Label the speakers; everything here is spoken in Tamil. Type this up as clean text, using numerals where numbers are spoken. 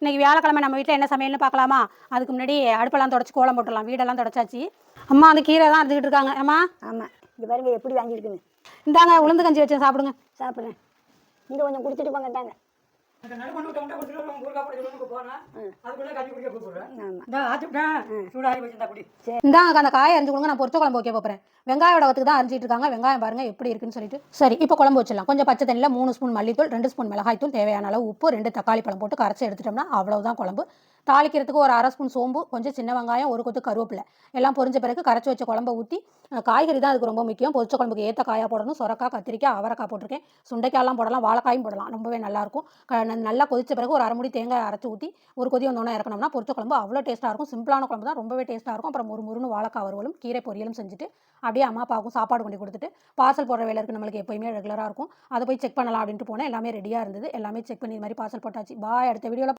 Speaker 1: இன்றைக்கி வியாழக்கிழமை நம்ம வீட்டில் என்ன சமையல்னு பார்க்கலாமா? அதுக்கு முன்னாடி அடுப்பெல்லாம் தொடச்சி கோலம் போட்டுடலாம். வீடெல்லாம் தொடச்சாச்சு. அம்மா அந்த கீரை தான் அறுத்துக்கிட்டு இருக்காங்க. அம்மா
Speaker 2: ஆமாம், இங்கே பாருங்க எப்படி வாங்கியிருக்குங்க.
Speaker 1: இந்தாங்க உளுந்து கஞ்சி வச்சேன், சாப்பிடுங்க.
Speaker 2: சாப்பிட்றேன். இங்கே கொஞ்சம் குடிச்சிட்டு போங்கட்டாங்க.
Speaker 1: இந்தாங்க அந்த காயை அரிஞ்சு கொடுங்க, நான் பொரிச்ச குழம்பு வைக்க போகிறேன். வெங்காய வடகத்துக்கு தான் அரிஞ்சிட்டு இருக்காங்க. வெங்காயம் பாருங்க எப்படி இருக்குன்னு சொல்லிட்டு. சரி, இப்போ குழம்பு வச்சிடலாம். கொஞ்சம் பச்சை தண்ணியில் 3 ஸ்பூன் மல்லித்தூள், 2 ஸ்பூன் மிளகாய்த்தூள், தேவையான அளவு உப்பு, 2 தக்காளி பழம் போட்டு கரைச்சி எடுத்துட்டோம்னா அவ்வளவுதான் குழம்பு. தாளிக்கிறதுக்கு ஒரு 1/2 ஸ்பூன் சோம்பு, கொஞ்சம் சின்ன வெங்காயம், ஒரு கொத்து கருவேப்பிலை எல்லாம் பொரிஞ்ச பிறகு கரைச்சி வச்ச குழம்பை ஊற்றி, காய்கறி தான் அதுக்கு ரொம்ப முக்கியம். பொரிச்ச குழம்புக்கு ஏற்ற காயாக போடணும். சொரக்காய், கத்திரிக்காய், அவரைக்காய் போட்டிருக்கேன். சுண்டைக்காயெல்லாம் போடலாம், வாழைக்காயும் போடலாம். ரொம்பவே நல்லாயிருக்கும். நல்லா கொதிச்ச பிறகு ஒரு அரை முடி தேங்காய் அரைச்சி ஊற்றி ஒரு கொதி வந்தோன்னே இறக்கணும்னா பொரிச்ச குழம்பு அவ்வளோ டேஸ்ட்டாக இருக்கும். சிம்பிளான குழம்பு தான், ரொம்பவே டேஸ்ட்டாக இருக்கும். அப்புறம் முறுமுறுன்னு வாழைக்காய் வறுவலும் கீரை பொரியலும் செஞ்சுட்டு அப்படியே அம்மா அப்பாவுக்கும் சாப்பாடு கொண்டு கொடுத்துட்டு பார்சல் போடுற வேலை இருக்குது நம்மளுக்கு எப்போயுமே ரெகுலராக இருக்கும். அதை போய் செக் பண்ணலாம் அப்படின்ட்டு போனேன். எல்லாமே ரெடியாக இருந்தது. எல்லாமே செக் பண்ணி இது மாதிரி பார்சல் போட்டாச்சு. பாய், அடுத்த வீடியோவில்